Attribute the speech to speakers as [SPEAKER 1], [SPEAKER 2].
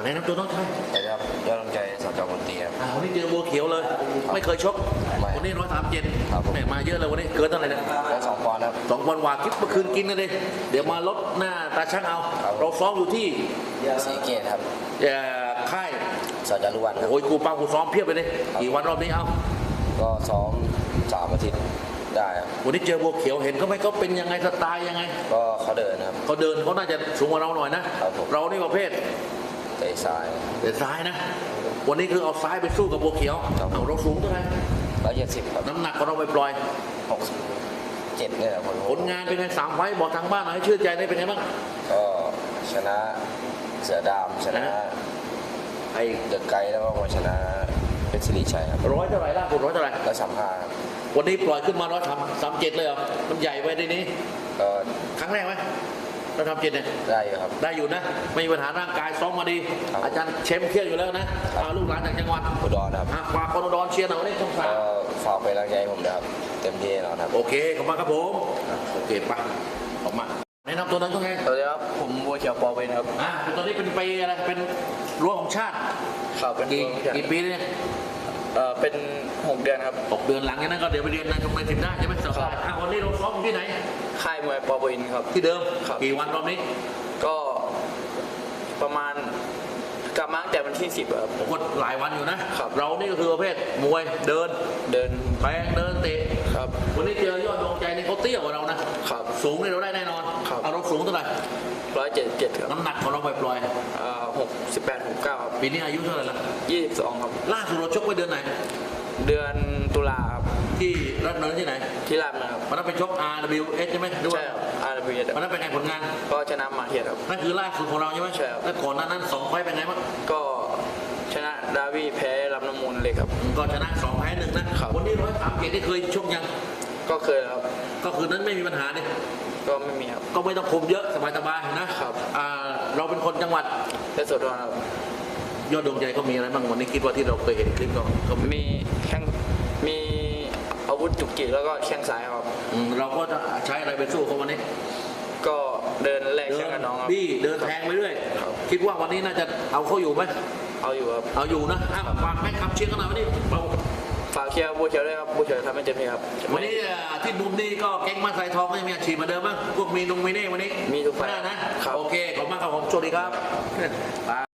[SPEAKER 1] แนะนำตัวน้องชาย
[SPEAKER 2] สวัสดีครับยอดกำลังใจสจ.มนตรีครับ
[SPEAKER 1] วันนี้เจอบัวเขียวเลย ไม่เคยชก วันนี้137
[SPEAKER 2] ครับผม
[SPEAKER 1] แม่มาเยอะเลยวันนี้เกินเท่าไหร่เนี่ย
[SPEAKER 2] ได้2 ปอนด์ครับ
[SPEAKER 1] 2 วันวาคิดเมื่อคืนกินกันเลยเดี๋ยวมาลดหน้าตาช่างเอา
[SPEAKER 2] ครับ
[SPEAKER 1] เราซ้อมอยู่ที่
[SPEAKER 2] สีเกตครับ
[SPEAKER 1] ค่าย
[SPEAKER 2] สจ.รุวันครับ
[SPEAKER 1] โอ้ยครูปังครูซ้อมเพียบไปเลยกี่วันรอบนี้เอา
[SPEAKER 2] ก็ซ้อม3 อาทิตย์ได้ครับ
[SPEAKER 1] วันนี้เจอบัวเขียวเห็นเขาไหมเขาเป็นยังไงสไตล์ยังไง
[SPEAKER 2] ก็เขาเดินครับ
[SPEAKER 1] เขาเดินเขาน่าจะสูงกว่าเราหน่อยนะครับ
[SPEAKER 2] ผม
[SPEAKER 1] เรานี่ประเภท
[SPEAKER 2] เตะซ้าย
[SPEAKER 1] เดินซ้ายนะ วันนี้คือเอาซ้ายไปสู้กับบัวเขียว
[SPEAKER 2] ครับ
[SPEAKER 1] เอาเราสูงเท่าไหร่
[SPEAKER 2] 170ครับ
[SPEAKER 1] น้ำหนักของเราไปปล่อย
[SPEAKER 2] 67เนี่ยครับ
[SPEAKER 1] ผลงานเป็นไง3 ไฟต์บอกทางบ้านหน่อยให้ชื่นใจได้เป็นไงบ้าง
[SPEAKER 2] ก็ชนะเสือดำชนะ
[SPEAKER 1] ไอ้
[SPEAKER 2] เดอะไกด์แล้วก็มาชนะเป็นสิริชัยครับ
[SPEAKER 1] ร้อยเท่าไหร่ล่าสุดร้อยเท่าไหร่
[SPEAKER 2] 135ครับ
[SPEAKER 1] วันนี้ปล่อยขึ้นมา137เลยเหรอมันใหญ่ไปได้นี้
[SPEAKER 2] ก็
[SPEAKER 1] ครั้งแรกไหม137เนี่ย
[SPEAKER 2] ได้อยู่ครับ
[SPEAKER 1] ได้อยู่นะ ไม่มีปัญหาร่างกายซ้อมมาดี
[SPEAKER 2] ครับ
[SPEAKER 1] อาจารย์เชมเครียดอยู่แล้วนะลูกหลานจากจังหวัด
[SPEAKER 2] อุดรครับ
[SPEAKER 1] ฝากคนอุดรเชียร์หน่อยวันนี้ต้องฝาก
[SPEAKER 2] ก็ฝากไปนกำลังใจให้ผมนะครับเต็มที่แน่นอนครับ
[SPEAKER 1] โอเคขอบคุณครับผมโอเคไปออกมาแนะนำตัวนั้นก็ไง
[SPEAKER 2] สวัสดีครับผมบัวเขียวปอเวนครับ
[SPEAKER 1] ตอนนี้เป็นปีอะไรเป็นรั้วของชาติ
[SPEAKER 2] ครับเป็น
[SPEAKER 1] กี่ปีแล้วเนี่ย
[SPEAKER 2] เป็น6 เดือนครับ
[SPEAKER 1] 6 เดือนหลังจากนั้นก็เดี๋ยวไปเรียนในโรงเรียนสินได้ใช่ไหมสบายวันนี้เราซ้อมอยู่ที่ไหน
[SPEAKER 2] ค่ายมวยปอเวนครับ
[SPEAKER 1] ที่เดิม
[SPEAKER 2] ครับ
[SPEAKER 1] กี่วันรอบนี้
[SPEAKER 2] ก็ประมาณกลับมาตั้งแต่วันที่10ครับ
[SPEAKER 1] ผมก็หลายวันอยู่นะครับ เรานี่ก็คือประเภทมวยเดิน
[SPEAKER 2] เดิน
[SPEAKER 1] แทงเดินเตะ
[SPEAKER 2] ครับ
[SPEAKER 1] วันนี้เจอยอดดวงใจนี่เขาเตี้ยกว่าเรานะครับ สูงนี่เราได้แน่นอน
[SPEAKER 2] ครับ
[SPEAKER 1] เอาเราสูงเท่าไหร่
[SPEAKER 2] 177ครับ
[SPEAKER 1] น้ำหนักของเราปล่อย
[SPEAKER 2] 68 69ครับ
[SPEAKER 1] ๆปีนี้อายุเท่าไหร่ละ
[SPEAKER 2] 22ครับ
[SPEAKER 1] ล่าสุดเราชกไว้เดือนไหน
[SPEAKER 2] เดือนตุลาครับ
[SPEAKER 1] ที่รัฐนนท์ที่ไหน
[SPEAKER 2] ที่ราชนะครับ
[SPEAKER 1] วันนั้นไปชก RWS ใช่ไหมหรือว่า
[SPEAKER 2] ใช่ครับ RWS
[SPEAKER 1] วันนั้นเป็นไงผลงาน
[SPEAKER 2] ก็ชนะมาเทียครับ
[SPEAKER 1] นั่นคือล่าสุดของเราใช่ไหม
[SPEAKER 2] ใช่ครับ
[SPEAKER 1] แล้วก่อนหน้านั้น2 ไฟต์เป็นไงบ้าง
[SPEAKER 2] ก็ชนะดาวีแพ้รับน้ำมูลเลยครับ
[SPEAKER 1] ก็ชนะ2 แพ้1นะครับ วันนี้137ที่เคยชกยัง
[SPEAKER 2] ก็เคยครับ
[SPEAKER 1] ก็คือนั้นไม่มีปัญหาเนี่ย
[SPEAKER 2] ก็ไม่มีครับ
[SPEAKER 1] ก็ไม่ต้องคุมเยอะสบายๆนะครับ เราเป็นคนจังหวัด
[SPEAKER 2] และสดทอนครับ
[SPEAKER 1] ยอดดวงใจก็มีอะไรบ้างวันนี้คิดว่าที่เราเคยเห็นคลิปก็มี
[SPEAKER 2] มีแข้งมีอาวุธจุกจิกแล้วก็แข้งซ้ายครับ
[SPEAKER 1] เราก็จะใช้อะไรไปสู้เขาวันนี้
[SPEAKER 2] ก็เดินแลก
[SPEAKER 1] เดิ
[SPEAKER 2] แข้งกับน้องครับ
[SPEAKER 1] บี้เดินแทงไปเรื่อย
[SPEAKER 2] ครับ
[SPEAKER 1] คิดว่าวันนี้น่าจะเอาเขาอยู่ไหม
[SPEAKER 2] เอาอยู่ครับ
[SPEAKER 1] เอาอยู่นะฝากแม่คำเชียร์กันหน่อยวันนี้เรา
[SPEAKER 2] ฝากเชียร์บัวเขียวด้วยครับบัวเขียวทำให้เต็มที่ครับ
[SPEAKER 1] วันนี้ที่มุมนี้ก็แก๊งมาใส่ทองก็ยังมีอาชีพเหมาเดิมบ้างพวกมีนงมีเน่วันนี้
[SPEAKER 2] มีทุกไฟล์
[SPEAKER 1] ได้นะครับ โอเคขอบคุณมากครับผมสวัสดีครับ